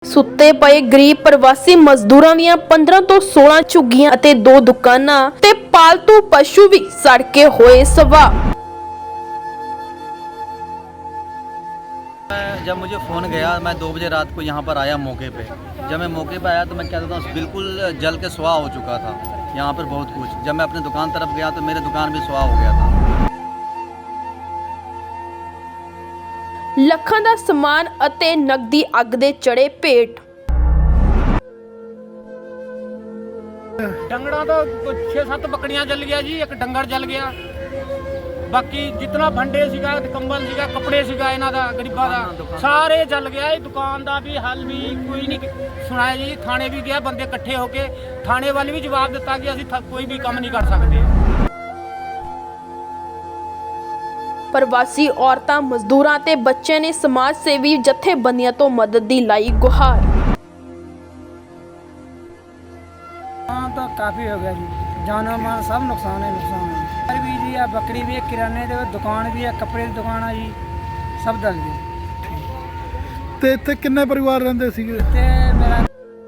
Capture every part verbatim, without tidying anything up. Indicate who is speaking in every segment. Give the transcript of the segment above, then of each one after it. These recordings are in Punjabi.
Speaker 1: ਸੁੱਤੇ ਪਏ ਗਰੀਬ ਪ੍ਰਵਾਸੀ ਮਜ਼ਦੂਰਾਂ ਦੀਆਂ ਪੰद्रह ਤੋਂ सोलह ਝੁੱਗੀਆਂ ਅਤੇ ਦੋ ਦੁਕਾਨਾਂ ਤੇ ਪਾਲਤੂ ਪਸ਼ੂ ਵੀ ਸੜ ਕੇ ਹੋਏ ਸਵਾਹ।
Speaker 2: जब मुझे फ़ोन गया मैं दो बजे रात को यहाँ पर आया मौके पे। जब मैं मौके पे आया तो मैं क्या कहता हूँ बिल्कुल जल के सुहा हो चुका था यहाँ पर बहुत कुछ। जब मैं अपनी दुकान तरफ गया तो मेरे दुकान भी सुहा हो गया था।
Speaker 1: ਲੱਖਾਂ ਦਾ ਸਮਾਨ ਅਤੇ ਨਕਦੀ ਅੱਗ ਦੇ ਚੜੇ ਭੇਟ।
Speaker 3: डंगड़ा तो छे सत्त बकरियां जल गया जी, एक डंगर जल गया। बाकी जितना भंडे सीगा कंबल सीगा कपड़े सीगा इन्हां दा गरीबां दा सारे जल गया। दुकान दा भी हल भी कोई नहीं सुनाया जी। थाने भी गया, बंदे इकट्ठे होके थाने वाले भी जवाब दिता कि असीं कोई भी काम नहीं कर सकते।
Speaker 1: ਪ੍ਰਵਾਸੀ ਔਰਤਾਂ ਮਜ਼ਦੂਰਾਂ ਤੇ ਬੱਚਿਆਂ ਨੇ ਸਮਾਜ ਸੇਵੀ ਜਥੇਬੰਦੀਆਂ ਤੋਂ ਮਦਦ ਦੀ ਲਾਈ ਗੁਹਾਰ।
Speaker 4: हाँ तो काफ़ी हो गया जी, जानो माल सब नुकसान है नुकसान है। घर भी जी है, बकरी भी है, किराने की दुकान भी है, कपड़े की दुकान है जी, सब दल गए।
Speaker 5: ਤੇ ਇੱਥੇ ਕਿੰਨੇ ਪਰਿਵਾਰ ਰਹਿੰਦੇ ਸੀਗੇ?
Speaker 4: ते मेरा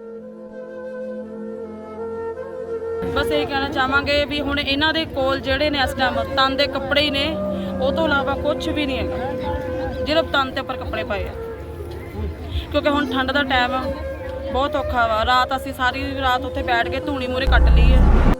Speaker 6: ਬਸ ਇਹ ਕਹਿਣਾ ਚਾਹਾਂਗੇ ਵੀ ਹੁਣ ਇਹਨਾਂ ਦੇ ਕੋਲ ਜਿਹੜੇ ਨੇ ਇਸ ਟਾਈਮ ਤਨ ਦੇ ਕੱਪੜੇ ਹੀ ਨੇ, ਉਹ ਤੋਂ ਇਲਾਵਾ ਕੁਝ ਵੀ ਨਹੀਂ ਹੈਗਾ ਜਿਹੜੇ ਤਨ ਤੇ ਉੱਪਰ ਕੱਪੜੇ ਪਾਏ ਆ। ਕਿਉਂਕਿ ਹੁਣ ਠੰਡ ਦਾ ਟਾਈਮ ਆ, ਬਹੁਤ ਔਖਾ ਵਾ। ਰਾਤ ਅਸੀਂ ਸਾਰੀ ਰਾਤ ਉੱਥੇ ਬੈਠ ਕੇ ਧੂਣੀ ਮੂਹਰੇ ਕੱਟ ਲਈ ਹੈ।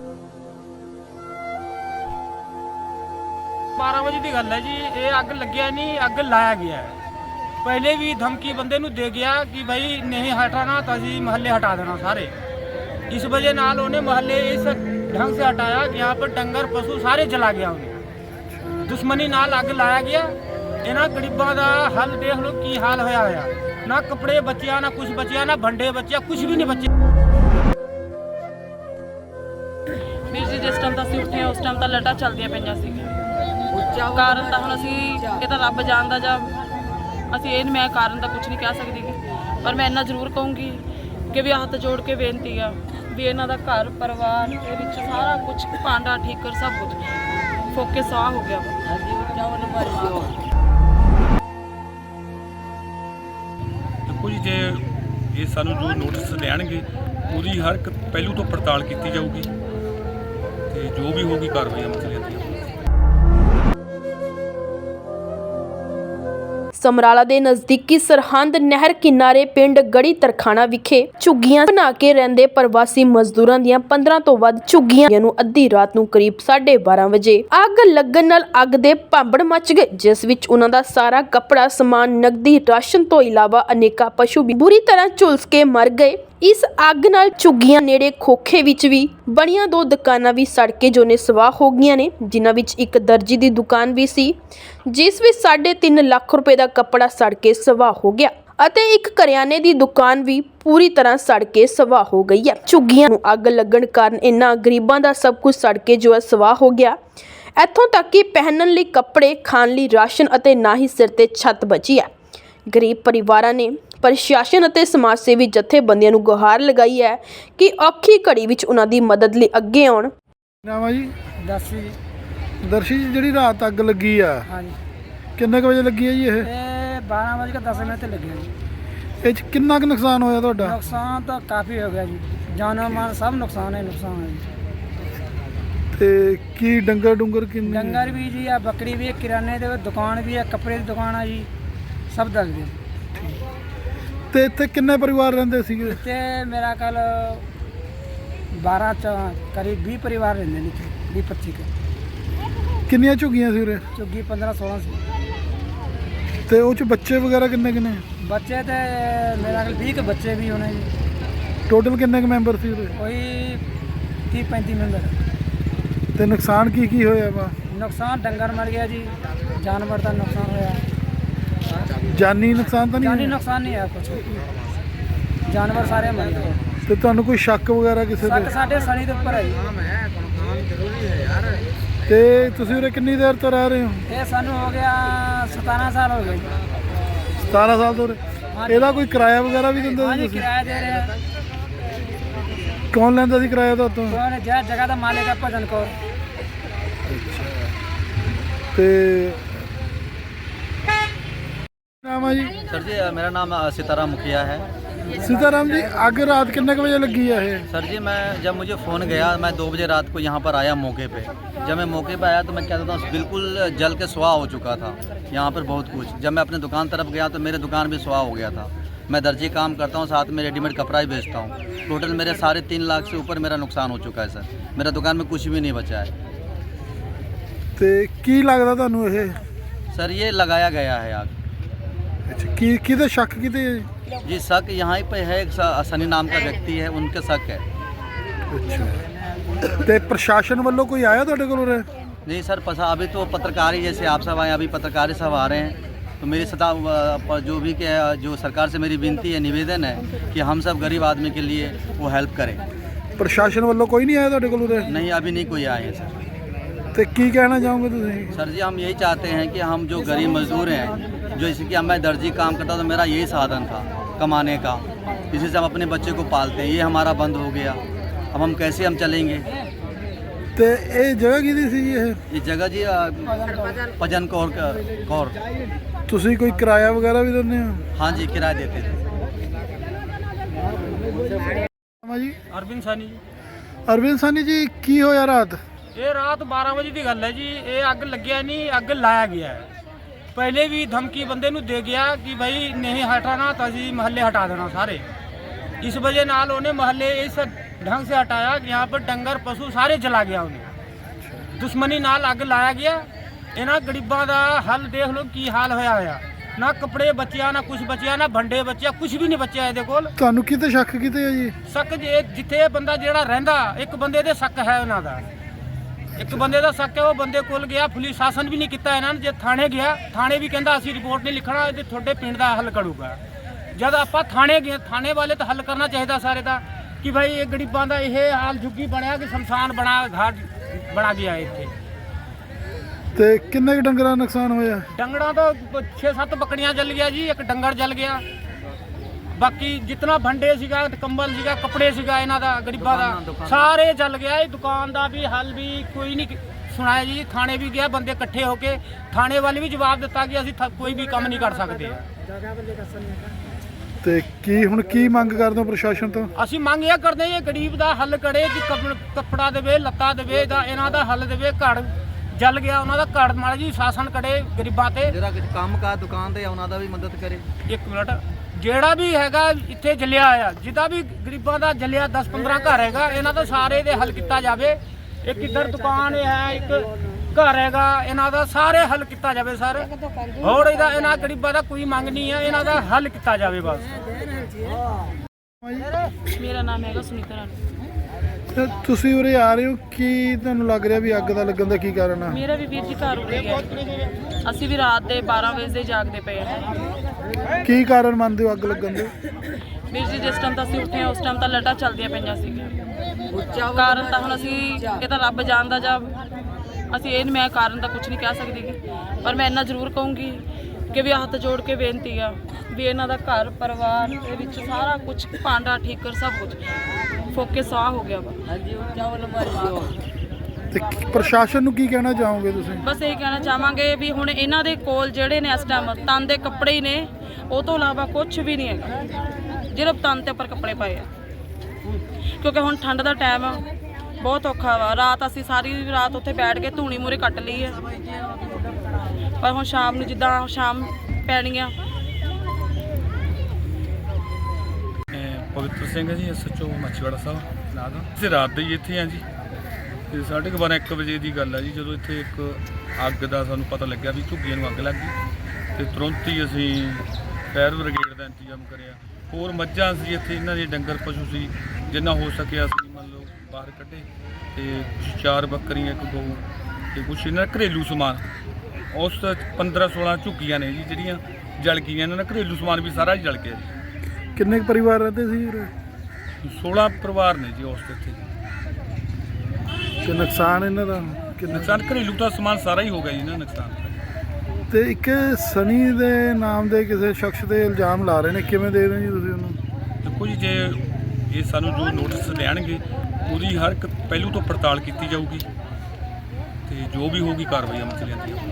Speaker 3: बारह बजे की गल है जी, ये अग लग्या नहीं, अग लाया गया है। पहले भी धमकी बंदे नूं दे गया कि भाई नहीं हटाना तो असीं महल्ले हटा देना सारे। इस वजह नाल उन्हें महल्ले इस ढंग से हटाया कि यहाँ पर डंगर पशु सारे जला गया। उन्हें दुश्मनी नाल अग लाया गया। इन्हां गरीबां दा हल देख लो की हाल होया होया। ना कपड़े बचिया, ना कुछ बचिया, ना भंडे बचिया, कुछ भी नहीं बचे।
Speaker 6: ਵੀਰ ਜੀ ਜਿਸ ਟਾਈਮ ਤਾਂ ਅਸੀਂ ਉੱਠੇ ਉਸ ਟਾਈਮ ਤਾਂ ਲੱਟਾਂ ਚੱਲਦੀਆਂ ਪਈਆਂ ਸੀ। ਕਾਰਨ ਤਾਂ ਹੁਣ ਅਸੀਂ ਇਹ ਤਾਂ ਰੱਬ ਜਾਣਦਾ, ਜਾਂ ਅਸੀਂ ਇਹ ਮੈਂ ਕਾਰਨ ਤਾਂ ਕੁਝ ਨਹੀਂ ਕਹਿ ਸਕਦੀ, ਪਰ ਮੈਂ ਇੰਨਾ ਜ਼ਰੂਰ ਕਹੂੰਗੀ ਕਿ ਵੀ ਹੱਥ ਜੋੜ ਕੇ ਬੇਨਤੀ ਆ ਵੀ ਇਹਨਾਂ ਦਾ ਘਰ ਪਰਿਵਾਰ ਦੇ ਵਿੱਚ ਸਾਰਾ ਕੁਝ ਭਾਂਡਾ ਠੀਕਰ ਸਭ ਕੁਝ ਫੋਕੇ ਸਾਹ ਹੋ ਗਿਆ ਵਾ।
Speaker 7: ਦੇਖੋ ਜੀ, ਜੇ ਇਹ ਸਾਨੂੰ ਜੋ ਨੋਟਿਸ ਦੇਣਗੇ ਉਹਦੀ ਹਰ ਇੱਕ ਪਹਿਲੂ ਤੋਂ ਪੜਤਾਲ ਕੀਤੀ ਜਾਊਗੀ ਤੇ ਜੋ ਵੀ ਹੋਊਗੀ ਕਾਰਵਾਈ ਅਮਲ ਚ ਲਿਆਂਦੀ ਜਾਊਗੀ।
Speaker 1: ਸਮਰਾਲਾ ਦੇ ਨਜ਼ਦੀਕੀ ਸਰਹੰਦ ਨਹਿਰ ਕਿਨਾਰੇ ਪਿੰਡ ਗੜੀ ਤਰਖਾਣਾ ਵਿਖੇ ਝੁੱਗੀਆਂ ਬਣਾ ਕੇ ਰਹਿੰਦੇ ਪ੍ਰਵਾਸੀ ਮਜ਼ਦੂਰਾਂ ਦੀਆਂ ਪੰद्रह ਤੋਂ ਵੱਧ ਝੁੱਗੀਆਂ ਨੂੰ ਅੱਧੀ ਰਾਤ ਨੂੰ ਕਰੀਬ ਸਾਢੇ ਬਾਰਾਂ ਵਜੇ ਅੱਗ ਲੱਗਣ ਨਾਲ ਅੱਗ ਦੇ ਭਾਂਬੜ ਮਚ ਗਏ, ਜਿਸ ਵਿੱਚ ਉਹਨਾਂ ਦਾ ਸਾਰਾ ਕੱਪੜਾ ਸਮਾਨ, ਨਕਦੀ, ਰਾਸ਼ਨ ਤੋਂ ਇਲਾਵਾ ਅਨੇਕਾਂ ਪਸ਼ੂ ਵੀ ਬੁਰੀ ਤਰ੍ਹਾਂ ਝੁਲਸ ਕੇ ਮਰ ਗਏ। ਇਸ ਅੱਗ ਨਾਲ ਝੁੱਗੀਆਂ ਨੇੜੇ ਖੋਖੇ ਵਿੱਚ ਵੀ ਬਣੀਆਂ ਦੋ ਦੁਕਾਨਾਂ ਵੀ ਸੜ ਕੇ ਜੋ ਨੇ ਸਵਾਹ ਹੋ ਗਈਆਂ ਨੇ, ਜਿਨ੍ਹਾਂ ਵਿੱਚ ਇੱਕ ਦਰਜੀ ਦੀ ਦੁਕਾਨ ਵੀ ਸੀ ਜਿਸ ਵਿੱਚ ਸਾਢੇ ਤਿੰਨ ਲੱਖ ਰੁਪਏ ਦਾ ਕੱਪੜਾ ਸੜ ਕੇ ਸਵਾਹ ਹੋ ਗਿਆ ਅਤੇ ਇੱਕ ਕਰਿਆਨੇ ਦੀ ਦੁਕਾਨ ਵੀ ਪੂਰੀ ਤਰ੍ਹਾਂ ਸੜ ਕੇ ਸਵਾਹ ਹੋ ਗਈ ਹੈ। ਝੁੱਗੀਆਂ ਨੂੰ ਅੱਗ ਲੱਗਣ ਕਾਰਨ ਇਹਨਾਂ ਗਰੀਬਾਂ ਦਾ ਸਭ ਕੁਝ ਸੜ ਕੇ ਜੋ ਹੈ ਸਵਾਹ ਹੋ ਗਿਆ। ਇੱਥੋਂ ਤੱਕ ਕਿ ਪਹਿਨਣ ਲਈ ਕੱਪੜੇ, ਖਾਣ ਲਈ ਰਾਸ਼ਨ ਅਤੇ ਨਾ ਹੀ ਸਿਰ ਤੇ ਛੱਤ ਬਚੀ ਹੈ। ਗਰੀਬ ਪਰਿਵਾਰਾਂ ਨੇ ਪ੍ਰਸ਼ਾਸਨ ਅਤੇ ਸਮਾਜ ਸੇਵੀ ਜਥੇਬੰਦੀਆਂ ਨੂੰ ਗੁਹਾਰ ਲਗਾਈ ਹੈ ਕਿ ਔਖੀ ਘੜੀ ਵਿੱਚ ਉਹਨਾਂ ਦੀ ਮਦਦ ਲਈ ਅੱਗੇ ਆਉਣ।
Speaker 5: ਨਾਮ ਆ ਜੀ?
Speaker 4: दस
Speaker 5: ਦਰਸ਼ੀ ਜੀ, ਜਿਹੜੀ ਰਾਤ ਅੱਗ ਲੱਗੀ ਆ
Speaker 4: हाँ जी,
Speaker 5: ਕਿੰਨੇ ਕੁ ਵਜੇ ਲੱਗੀ ਆ ਜੀ? ਇਹ
Speaker 4: ये बारह बज के दस मिनट लग गया जी।
Speaker 5: ਇਹ 'ਚ ਕਿੰਨਾ ਕੁ ਨੁਕਸਾਨ ਹੋਇਆ ਤੁਹਾਡਾ?
Speaker 4: नुकसान तो काफ़ी हो गया जी, जानो माल सब नुकसान है नुकसान है जी।
Speaker 5: ਤੇ ਕੀ ਡੰਗਰ ਡੁੰਗਰ ਕਿੰਨੇ?
Speaker 4: डंगर भी जी है, बकरी भी है, किराने की दुकान भी है, कपड़े की दुकान है जी, सब दल गए।
Speaker 5: ਤੇ ਇੱਥੇ ਕਿੰਨੇ ਪਰਿਵਾਰ ਰਹਿੰਦੇ ਸੀਗੇ?
Speaker 4: ते मेरा कल बारह च करीब बीस परिवार रहते नीचे, बीस पच्चीस के।
Speaker 5: ਕਿੰਨੀਆਂ ਝੁੱਗੀਆਂ ਸੀ ਉਰੇ?
Speaker 4: चुग्गी पंद्रह सोलह से
Speaker 5: ਤੇ ਉਹ 'ਚ ਬੱਚੇ ਵਗੈਰਾ ਕਿੰਨੇ ਕਿੰਨੇ?
Speaker 4: बच्चे थे मेरा कल बीस के बच्चे भी होने जी।
Speaker 5: ਟੋਟਲ ਕਿੰਨੇ ਕੁ ਮੈਂਬਰ ਸੀ ਉਰੇ?
Speaker 4: कोई तीस पैंतीस मेंबर।
Speaker 5: ਤੇ ਨੁਕਸਾਨ ਕੀ ਕੀ ਹੋਇਆ ਵਾ?
Speaker 4: नुकसान डंगर मर गया जी, जानवर का नुकसान होया।
Speaker 5: ਜਾਨੀ ਨੁਕਸਾਨ ਤਾਂ
Speaker 4: जानी
Speaker 5: ਨਹੀਂ होया?
Speaker 4: नुकसान नहीं है कुछ, जानवर सारे मर गए।
Speaker 5: ਤੇ ਤੁਹਾਨੂੰ ਕੋਈ ਸ਼ੱਕ ਵਗੈਰਾ ਕਿਸੇ
Speaker 4: सट
Speaker 5: ਤੇ?
Speaker 4: साढ़े सनी के ऊपर है जी।
Speaker 5: ਤੇ ਤੁਸੀਂ ਉਰੇ ਕਿੰਨੀ ਦੇਰ ਤੋਂ ਰਹਿ ਰਹੇ ਹੋ?
Speaker 4: ये सानू हो गया सतारह साल हो गए जी।
Speaker 5: सतारह ਸਾਲ ਤੋਂ ਉਰੇ। ਇਹਦਾ ਕੋਈ ਕਿਰਾਇਆ ਵਗੈਰਾ ਵੀ ਦਿੰਦੇ
Speaker 4: हाँ
Speaker 5: ਸੀ
Speaker 4: जी,
Speaker 5: ਤੁਸੀਂ?
Speaker 4: किराया दे रहे हैं।
Speaker 5: ਕੌਣ ਲੈਂਦਾ ਸੀ ਕਿਰਾਇਆ ਤੁਹਾਤੋਂ?
Speaker 4: कौन जय जगह का मालिक है भजन कौर।
Speaker 5: ਤੇ ਨਾਮ ਆ ਜੀ?
Speaker 2: सर जी मेरा नाम सितारा मुखिया है।
Speaker 5: सीताराम जी अग रात कितने बजे लगी है ये?
Speaker 2: सर जी मैं जब मुझे फ़ोन गया मैं दो बजे रात को यहाँ पर आया मौके पे। जब मैं मौके पे आया तो मैं क्या कहता हूँ बिल्कुल जल के सुहा हो चुका था यहाँ पर बहुत कुछ। जब मैं अपने दुकान तरफ गया तो मेरे दुकान भी सुहा हो गया था। मैं दर्जी काम करता हूँ, साथ में रेडीमेड कपड़ा ही बेचता हूँ। टोटल मेरे साढ़े तीन लाख से ऊपर मेरा नुकसान हो चुका है सर। मेरा दुकान में कुछ भी नहीं बचा है।
Speaker 5: ਤੇ ਕੀ ਲੱਗਦਾ ਤੁਹਾਨੂੰ ਇਹ?
Speaker 2: सर ये लगाया गया है आग।
Speaker 5: ਅੱਛਾ ਕੀ ਕਿਹਦੇ ਸ਼ੱਕ ਕਿਤੇ ਹੈ?
Speaker 2: जी शक यहाँ पे है, एक स- सनी नाम का व्यक्ति है, उनके शक है।
Speaker 5: ਅੱਛਾ ਤੇ ਪ੍ਰਸ਼ਾਸਨ ਵੱਲੋਂ ਕੋਈ ਆਇਆ ਤੁਹਾਡੇ ਕੋਲ ਉਰੇ?
Speaker 2: नहीं सर पसा अभी तो पत्रकार ही जैसे आप सब आए, अभी पत्रकार ही सब आ रहे हैं। तो मेरी सतह पर जो भी के जो सरकार से मेरी विनती है, निवेदन है कि हम सब गरीब आदमी के लिए वो हेल्प करें।
Speaker 5: ਪ੍ਰਸ਼ਾਸਨ ਵੱਲੋਂ ਕੋਈ ਨਹੀਂ ਆਇਆ ਤੁਹਾਡੇ ਕੋਲ ਉਰੇ?
Speaker 2: नहीं अभी नहीं कोई आए हैं सर।
Speaker 5: ਤੇ ਕੀ ਕਹਿਣਾ ਚਾਹੋਗੇ ਤੁਸੀਂ?
Speaker 2: सर जी हम यही चाहते हैं कि हम जो गरीब मजदूर हैं, जो इसी कि मैं दर्जी काम करता तो मेरा यही साधन था कमाने का, इसी से हम अपने बच्चे को पालते हैं। ये हमारा बंद हो गया, अब हम कैसे हम चलेंगे?
Speaker 5: ਤੇ ਇਹ ਜਗ੍ਹਾ ਕਿਹਦੀ ਸੀ ਜੀ ਇਹ?
Speaker 2: ये जगह जी अ, पजन कौर का- कौर
Speaker 5: ਤੁਸੀਂ ਕੋਈ ਕਿਰਾਇਆ ਵਗੈਰਾ ਵੀ ਦਿੰਦੇ ਹੋ?
Speaker 2: हाँ जी किराया देते थे।
Speaker 5: ਹਾਂ ਜੀ
Speaker 3: ਅਰਵਿੰਦ ਸਾਨੀ ਜੀ।
Speaker 5: ਅਰਵਿੰਦ ਸਾਨੀ ਜੀ ਕੀ ਹੋਇਆ ਰਾਤ?
Speaker 3: ਇਹ ਰਾਤ ਬਾਰਾਂ ਵਜੇ ਦੀ ਗੱਲ ਹੈ ਜੀ। ਇਹ ਅੱਗ ਲੱਗਿਆ ਨਹੀਂ, ਅੱਗ ਲਾਇਆ ਗਿਆ ਹੈ। ਪਹਿਲੇ ਵੀ ਧਮਕੀ ਬੰਦੇ ਨੂੰ ਦੇ ਗਿਆ ਕਿ ਭਾਈ ਨਹੀਂ ਹਟਾਣਾ ਤਾਂ ਅਸੀਂ ਮਹੱਲੇ ਹਟਾ ਦੇਣਾ ਸਾਰੇ। ਇਸ ਵਜ੍ਹਾ ਨਾਲ ਉਹਨੇ ਮਹੱਲੇ ਇਸ ढंग से हटाया कि यहाँ पर डंगर पशु सारे जला गया उन्हें। दुश्मनी नाल अग लाया गया। इन्हों गरीबों का हल देख लो की हाल होया होया। ना कपड़े बचिया, ना कुछ बचिया, ना भंडे बचिया, कुछ भी नहीं बचिया ਇਹਦੇ ਕੋਲ।
Speaker 5: ਤੁਹਾਨੂੰ ਕਿਤੇ ਸ਼ੱਕ ਕਿਤੇ ਹੈ ਜੀ?
Speaker 3: ਸ਼ੱਕ ਜੇ ਜਿੱਥੇ ਬੰਦਾ ਜਿਹੜਾ ਰਹਿੰਦਾ, ਇੱਕ ਬੰਦੇ ਦੇ ਸ਼ੱਕ ਹੈ ਉਹਨਾਂ ਦਾ। ਇੱਕ ਬੰਦੇ ਦਾ ਸ਼ੱਕ ਹੈ, ਉਹ ਬੰਦੇ ਕੋਲ ਗਿਆ, ਪੁਲਿਸ ਸ਼ਾਸਨ ਵੀ ਨਹੀਂ ਕੀਤਾ ਇਹਨਾਂ ਨੇ। ਜੇ ਥਾਣੇ ਗਿਆ, ਥਾਣੇ ਵੀ ਕਹਿੰਦਾ ਅਸੀਂ ਰਿਪੋਰਟ ਨਹੀਂ ਲਿਖਣਾ, ਇਹ ਤੁਹਾਡੇ ਪਿੰਡ ਦਾ ਹੱਲ ਕਰੂਗਾ। ਜਦ ਆਪਾਂ ਥਾਣੇ ਗਏ, ਥਾਣੇ ਵਾਲੇ ਤਾਂ ਹੱਲ ਕਰਨਾ ਚਾਹੀਦਾ ਸਾਰੇ ਦਾ ਕਿ ਭਾਈ ਇਹ ਗਰੀਬਾਂ ਦਾ ਇਹ ਹਾਲ ਝੁੱਗੀ ਬਣਿਆ ਕਿ ਸ਼ਮਸ਼ਾਨ ਬਣਾ ਘਾਟ ਬਣਾ ਗਿਆ ਇੱਥੇ।
Speaker 5: ਤੇ ਕਿੰਨੇ ਕੁ ਡੰਗਰਾਂ ਦਾ ਨੁਕਸਾਨ ਹੋਇਆ?
Speaker 3: ਡੰਗਰਾਂ ਤੋਂ ਛੇ ਸੱਤ ਬੱਕੜੀਆਂ ਜਲ ਗਿਆ ਜੀ, ਇੱਕ ਡੰਗਰ ਜਲ ਗਿਆ। ਬਾਕੀ ਜਿੰਨਾ ਭੰਡੇ ਸੀਗਾ, ਕੰਬਲ ਸੀਗਾ, ਕੱਪੜੇ ਸੀਗਾ ਇਹਨਾਂ ਦਾ ਗਰੀਬਾਂ ਦਾ ਸਾਰੇ ਜਲ ਗਿਆ। ਇਹ ਦੁਕਾਨ ਦਾ ਵੀ ਹੱਲ ਵੀ ਕੋਈ ਨਹੀਂ ਸੁਣਾਇਆ ਜੀ। ਥਾਣੇ ਵੀ ਗਿਆ, ਬੰਦੇ ਇਕੱਠੇ ਹੋ ਕੇ ਥਾਣੇ ਵਾਲੇ ਵੀ ਜਵਾਬ ਦਿੱਤਾ ਕਿ ਅਸੀਂ ਥ- ਕੋਈ ਵੀ ਕੰਮ ਨਹੀਂ ਕਰ ਸਕਦੇ।
Speaker 5: ਤੇ ਕੀ ਹੁਣ ਕੀ ਮੰਗ ਕਰਦੇ ਹੋ ਪ੍ਰਸ਼ਾਸਨ ਤੋਂ?
Speaker 3: ਅਸੀਂ ਮੰਗ ਇਹ ਕਰਦੇ ਹਾਂ ਇਹ ਗਰੀਬ ਦਾ ਹੱਲ ਕਰੇ ਕਿ ਕੱਪ- ਕੱਪੜਾ ਦੇਵੇ, ਲੱਤਾ ਦੇਵੇ, ਦਾ ਇਹਨਾਂ ਦਾ ਹੱਲ ਦੇਵੇ। ਘਰ ਜਲ ਗਿਆ ਉਹਨਾਂ ਦਾ, ਘਰ ਮਾੜਾ ਜੀ ਸ਼ਾਸਨ ਕਰੇ ਗਰੀਬਾਂ ਤੇ।
Speaker 2: ਜਿਹੜਾ ਕੰਮ ਕਾ ਦੁਕਾਨ ਤੇ ਉਹਨਾਂ ਦਾ ਵੀ ਮਦਦ ਕਰੇ।
Speaker 3: ਇੱਕ ਮਿੰਟ, ਜਿਹੜਾ ਵੀ ਹੈਗਾ ਇੱਥੇ ਜਲਿਆ ਆ, ਜਿਹਦਾ ਵੀ ਗਰੀਬਾਂ ਦਾ ਜਲਿਆ ਦਸ ਪੰਦਰਾਂ ਘਰ ਹੈਗਾ, ਇਹਨਾਂ ਦਾ ਸਾਰੇ ਦੇ ਹੱਲ ਕੀਤਾ ਜਾਵੇ। ਇੱਕ ਇੱਧਰ ਦੁਕਾਨ ਹੈ, ਇੱਕ ਘਰ ਹੈਗਾ, ਇਹਨਾਂ ਦਾ ਸਾਰੇ ਹੱਲ ਕੀਤਾ ਜਾਵੇ ਸਰ। ਹੋਰ ਇਹਦਾ ਇਹਨਾਂ ਗਰੀਬਾਂ ਦਾ ਕੋਈ ਮੰਗ ਨਹੀਂ ਹੈ, ਇਹਨਾਂ ਦਾ ਹੱਲ ਕੀਤਾ ਜਾਵੇ ਬਸ।
Speaker 6: ਮੇਰਾ ਨਾਮ ਹੈਗਾ ਸੁਨੀਤਾ ਰਾਣੀ।
Speaker 5: ਤੇ ਤੁਸੀਂ ਉਰੇ ਆ ਰਹੇ ਹੋ, ਕੀ ਤੁਹਾਨੂੰ ਲੱਗ ਰਿਹਾ ਵੀ ਅੱਗ ਦਾ ਲੱਗਣ ਦਾ ਕੀ ਕਾਰਨ ਆ?
Speaker 6: ਮੇਰਾ ਵੀ ਵੀਰ ਜੀ ਘਰ ਉੱਡ ਗਿਆ। ਅਸੀਂ ਵੀ ਰਾਤ ਦੇ ਬਾਰਾਂ ਵਜੇ ਦੇ ਜਾਗਦੇ ਪਏ ਹਾਂ।
Speaker 5: ਕੀ ਕਾਰਨ ਮੰਨਦੇ ਹੋ ਅੱਗ ਲੱਗਣ ਦੇ?
Speaker 6: ਵੀਰ ਜੀ ਜਿਸ ਟਾਈਮ ਤਾਂ ਅਸੀਂ ਉੱਠੇ ਹਾਂ ਉਸ ਟਾਈਮ ਤਾਂ ਲਾਈਟਾਂ ਚੱਲਦੀਆਂ ਪਈਆਂ ਸੀਗੀਆਂ। ਕਾਰਨ ਤਾਂ ਹੁਣ ਅਸੀਂ ਇਹ ਤਾਂ ਰੱਬ ਜਾਣਦਾ, ਜਾਂ ਅਸੀਂ ਇਹ ਮੈਂ ਕਾਰਨ ਤਾਂ ਕੁਝ ਨਹੀਂ ਕਹਿ ਸਕਦੀ ਗੀ। ਪਰ ਮੈਂ ਇੰਨਾ ਜ਼ਰੂਰ ਕਹੂੰਗੀ ਕਿ ਵੀ ਹੱਥ ਜੋੜ ਕੇ ਬੇਨਤੀ ਆ ਵੀ ਇਹਨਾਂ ਦਾ ਘਰ ਪਰਿਵਾਰ ਦੇ ਵਿੱਚ ਸਾਰਾ ਕੁਝ ਭਾਂਡਾ ਠੀਕਰ ਸਭ ਕੁਝ ਫੋਕੇ ਸਾਹ ਹੋ ਗਿਆ ਵਾ।
Speaker 5: ਤੇ ਕੀ- ਪ੍ਰਸ਼ਾਸਨ ਨੂੰ ਕੀ ਕਹਿਣਾ ਚਾਹੋਗੇ ਤੁਸੀਂ?
Speaker 6: ਬਸ ਇਹ ਕਹਿਣਾ ਚਾਹਾਂਗੇ ਵੀ ਹੁਣ ਇਹਨਾਂ ਦੇ ਕੋਲ ਜਿਹੜੇ ਨੇ ਇਸ ਟਾਈਮ ਤਨ ਦੇ ਕੱਪੜੇ ਹੀ ਨੇ, ਉਹ ਤੋਂ ਇਲਾਵਾ ਕੁਝ ਵੀ ਨਹੀਂ ਹੈਗਾ। ਜਿਹੜੇ ਤਨ ਤੇ ਉੱਪਰ ਕੱਪੜੇ ਪਾਏ ਆ, ਕਿਉਂਕਿ ਹੁਣ ਠੰਡ ਦਾ ਟਾਈਮ ਆ, ਬਹੁਤ ਔਖਾ ਵਾ। ਰਾਤ ਅਸੀਂ ਸਾਰੀ ਰਾਤ ਉੱਥੇ ਬੈਠ ਕੇ ਧੂਣੀ ਮੂਰੇ ਕੱਟ ਲਈ ਹੈ, ਪਰ ਹੁਣ ਸ਼ਾਮ ਨੂੰ ਜਿੱਦਾਂ ਸ਼ਾਮ ਪੈਣੀ ਆ।
Speaker 7: ਪਵਿੱਤਰ ਸਿੰਘ ਹੈ ਜੀ, ਐਸ ਐਚ ਓ ਮੱਛੀਵਾੜਾ ਸਾਹਿਬ ਨਾਂ ਦਾ। ਅਸੀਂ ਰਾਤ ਦੇ ਹੀ ਇੱਥੇ ਆ ਜੀ, ਤੇ ਸਾਢੇ ਕੁ ਬਾਰਾਂ ਇੱਕ ਵਜੇ ਦੀ ਗੱਲ ਹੈ ਜੀ, ਜਦੋਂ ਇੱਥੇ ਇੱਕ ਅੱਗ ਦਾ ਸਾਨੂੰ ਪਤਾ ਲੱਗਿਆ ਵੀ ਝੁੱਗੀਆਂ ਨੂੰ ਅੱਗ ਲੱਗ ਗਈ। ਤੇ ਤੁਰੰਤ ਹੀ ਅਸੀਂ ਫਾਇਰ ਬ੍ਰਿਗੇਡ ਦਾ ਇੰਤਜ਼ਾਮ ਕਰਿਆ। ਹੋਰ ਮੱਝਾਂ ਸੀ ਇੱਥੇ, ਇਹਨਾਂ ਦੇ ਡੰਗਰ ਪਸ਼ੂ ਸੀ, ਜਿੰਨਾ ਹੋ ਸਕਿਆ ਅਸੀਂ ਮੰਨ ਲਓ ਬਾਹਰ ਕੱਢੇ। ਤੇ ਕੁਛ ਚਾਰ ਬੱਕਰੀਆਂ, ਇੱਕ ਗਊ, ਤੇ ਕੁਛ ਇਹਨਾਂ ਦਾ ਘਰੇਲੂ ਸਮਾਨ। ਉਸ ਪੰਦਰਾਂ ਸੋਲਾਂ ਝੁੱਗੀਆਂ ਨੇ ਜੀ ਜਿਹੜੀਆਂ ਜਲ ਗਈਆਂ। ਇਹਨਾਂ ਦਾ ਘਰੇਲੂ ਸਮਾਨ ਵੀ ਸਾਰਾ ਹੀ ਜਲ ਗਿਆ ਜੀ।
Speaker 5: ਕਿੰਨੇ ਕੁ ਪਰਿਵਾਰ ਰਹਿੰਦੇ ਸੀ ਉਰੇ?
Speaker 7: ਸੋਲਾਂ ਪਰਿਵਾਰ ਨੇ ਜੀ ਉਸ ਤੇ ਇੱਥੇ।
Speaker 5: ਤੇ ਨੁਕਸਾਨ ਇਹਨਾਂ ਦਾ ਕਿੰਨਾ?
Speaker 7: ਨੁਕਸਾਨ ਘਰੇਲੂ ਦਾ ਸਮਾਨ ਸਾਰਾ ਹੀ ਹੋ ਗਿਆ ਜੀ ਇਹਨਾਂ ਦਾ ਨੁਕਸਾਨ।
Speaker 5: ਤੇ ਇੱਕ ਸਨੀ ਦੇ ਨਾਮ ਦੇ ਕਿਸੇ ਸ਼ਖਸ ਦੇ ਇਲਜ਼ਾਮ ਲਾ ਰਹੇ ਨੇ, ਕਿਵੇਂ ਦੇ ਰਹੇ ਜੀ ਤੁਸੀਂ ਉਹਨੂੰ?
Speaker 7: ਦੇਖੋ ਜੀ, ਜੇ ਇਹ ਸਾਨੂੰ ਜੋ ਨੋਟਿਸ ਦੇਣਗੇ ਉਹਦੀ ਹਰ ਇੱਕ ਪਹਿਲੂ ਤੋਂ ਪੜਤਾਲ ਕੀਤੀ ਜਾਊਗੀ, ਤੇ ਜੋ ਵੀ ਹੋਊਗੀ ਕਾਰਵਾਈ ਅਮਲ ਚ ਲਿਆਂਦੀ ਜਾਊਗੀ।